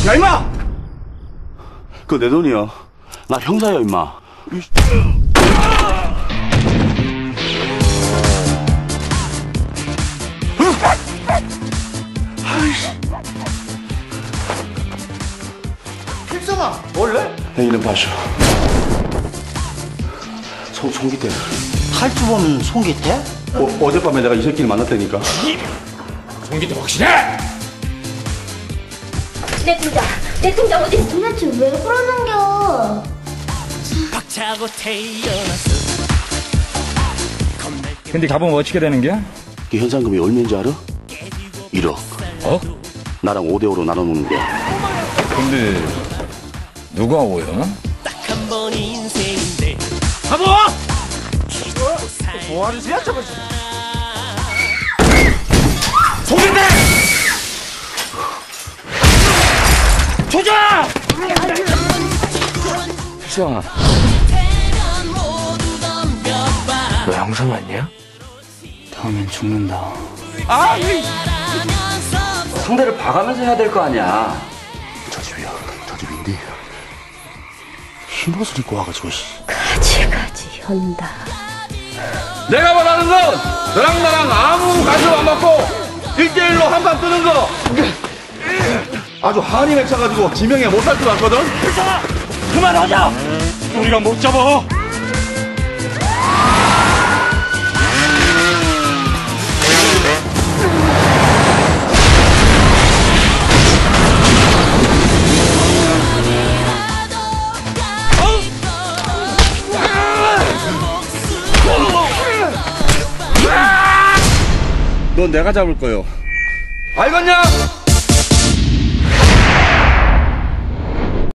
야, 임마! 그거 내 돈이야. 나 형사야, 임마. 필성아, 원래? 내 이름 봐쇼. 송기태. 탈주 보면 송기태? 어젯밤에 내가 이 새끼를 만났다니까. 송기태 확실해? 내 통장 어디 있어? 도대체 왜 그러는겨? 박차고 태어났어. 근데 가보면 어떻게 되는 게야? 그 현상금이 얼마인지 알아? 1억. 어? 나랑 5대5로 나눠놓는 거야. 근데 누가 오야? 딱 한 번 인생인데. 가보! 뭐하는 새야 저거? 송기태! 조자! 필성아, 너 형사 맞냐? 다음엔 죽는다. 상대를 봐가면서 해야 될 거 아니야. 저 집이야. 저 집인데. 흰옷을 입고 와가지고, 가지가지 현다. 내가 말하는 건 너랑 나랑 아무 관심 안 받고 1대1로 한판 뜨는 거. 아주 한이 맺혀가지고 지명에 못 살 줄 알거든. 그만하자! 우리가 못 잡아! 넌 내가 잡을 거요. 알겠냐?